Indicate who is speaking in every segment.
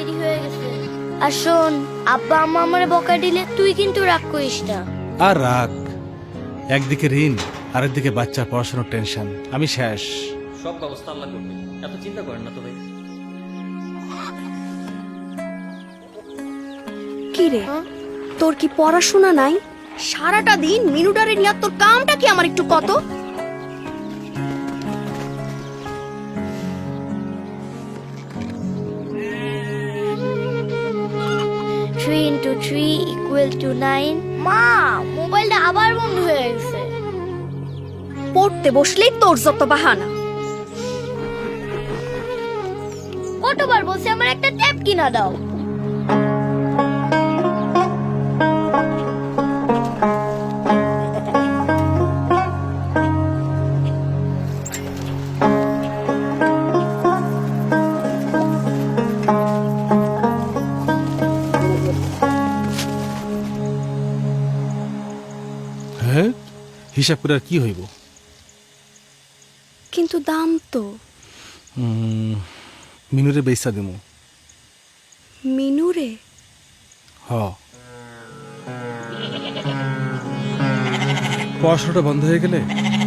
Speaker 1: দেরি হয়ে গেছে। আর শোন, আব্বা আম্মা আমারে বকা দিলে তুই কিন্তু রাগ করিস না।
Speaker 2: আর রাগ, একদিকে ঋণ আরেকদিকে বাচ্চার পড়াশোনার টেনশন, আমি শেষ।
Speaker 3: সব ব্যবস্থা আল্লাহ করবে, এত চিন্তা করেন না তো ভাই।
Speaker 4: কি রে, তোর কি পড়াশোনা নাই? সারাটা দিন মিনুডারে নিয়ে তোর কামটা কি আমার একটু কত?
Speaker 1: 3 into 3 equal to 9। মা, মোবাইলটা আবার বন্ধ হয়ে গেছে।
Speaker 4: পড়তে বসলেই তোর যত বাহানা।
Speaker 1: কতবার বলছি আমার একটা ট্যাব কিনা দাও।
Speaker 2: হ্যাঁ, হিসাব করে আর কি হইব?
Speaker 4: কিন্তু দাম তো।
Speaker 2: মিনুরে বেচা দিমু।
Speaker 4: মিনুরে?
Speaker 2: হ, পড়াশোনাটা বন্ধ হয়ে গেলে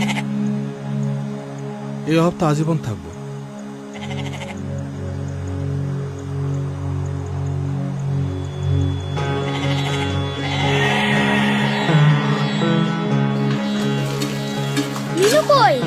Speaker 2: এই অভাব তো আজীবন থাকবো।
Speaker 1: মিনু কই?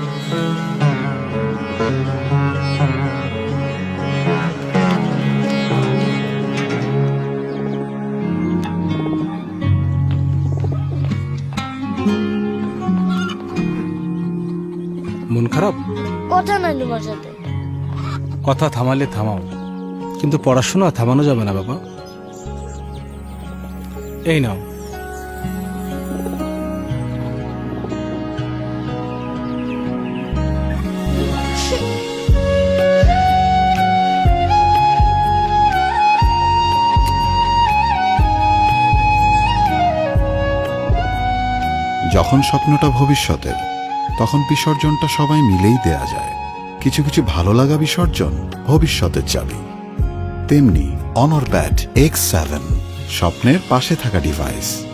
Speaker 2: মন খারাপ?
Speaker 1: কথা নাই তোমার সাথে।
Speaker 2: কথা থামালে থামাও, কিন্তু পড়াশোনা থামানো যাবে না বাবা। এই নাও।
Speaker 5: যখন স্বপ্নটা ভবিষ্যতের, তখন বিসর্জনটা সবাই মিলেই দেয়া যায়। কিছু কিছু ভালো লাগা বিসর্জন ভবিষ্যতের চাবি। তেমনি অনর ব্যাট X7, স্বপ্নের পাশে থাকা ডিভাইস।